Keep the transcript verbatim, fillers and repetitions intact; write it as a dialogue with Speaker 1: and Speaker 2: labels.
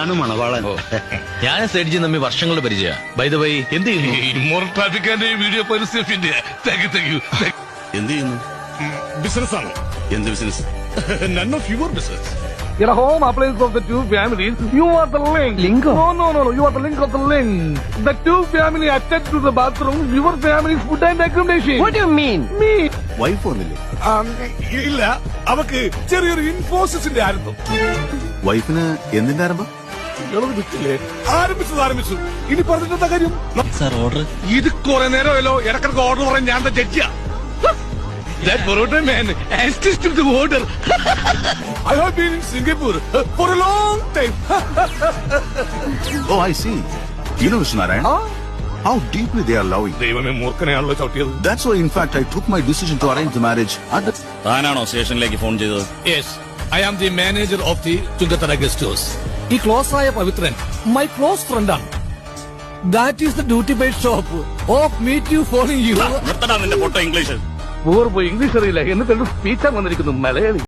Speaker 1: ഇതാണ് മണവാളൻ.
Speaker 2: ഞാൻ സേഡ്ജി തമ്മി വർഷങ്ങളുടെ പരിചയ. ബൈ ദ വൈ, എന്ത് ചെയ്യുന്നു?
Speaker 3: ഇമ്മോർട്ടാലിറ്റിക്കാന്റെ വീഡിയോ പരസ്യത്തിന്റെ
Speaker 1: എന്ത് ചെയ്യുന്നു?
Speaker 3: ബിസിനസ് ആണ്.
Speaker 1: എന്ത് business?
Speaker 3: None of your business.
Speaker 4: In a home appliance of the two families, you are the link.
Speaker 5: Link?
Speaker 4: No, no, no, no. You are the link of the link. The two family attached to the bathroom. Your family's food and accommodation.
Speaker 5: What do you mean?
Speaker 4: Me.
Speaker 1: Wife വന്നില്ലേ?
Speaker 3: ഇല്ല, അവക്ക് ചെറിയൊരു ഇൻഫോസിസിന്റെ ആയിരുന്നു.
Speaker 1: വൈഫിന് എന്തിന്റെ ആരംഭം?
Speaker 3: വിട്ടില്ലേ? ആരംഭിച്ചത് ആരംഭിച്ചു. ഇനി പറഞ്ഞിട്ടെന്താ കാര്യം?
Speaker 2: Sir order.
Speaker 3: ഇത് കുറെ നേരമല്ലോ ഇടക്കിടക്ക് ഓർഡർ പറയാൻ ഞാൻ ജഡ്ജിയാ. That Baroda man insisted to the order. I have been in Singapore for a long time.
Speaker 1: Oh, I see. You know, Mister Narayan, how deeply they are loving.
Speaker 3: ദൈവമേ, മൂർഖനെയാണല്ലോ ചവിട്ടിയത്.
Speaker 1: That's why, in fact, I took my decision to arrange the marriage. At the...
Speaker 6: താനാണോ സ്റ്റേഷനിലേക്ക് phone ചെയ്തത്?
Speaker 3: Yes, I am the manager of the Chungatara guest house. ഈ close ആയ Pavithran my close friend ആണ്. That is the duty paid shop of meet you following you.
Speaker 6: നിർത്തടാ നിന്റെ പൊട്ട English.
Speaker 4: പൂർവ്വ English അറിയില്ല എന്നിട്ട് സ്പീച്ചാൻ വന്നിരിക്കുന്നു മലയാളി.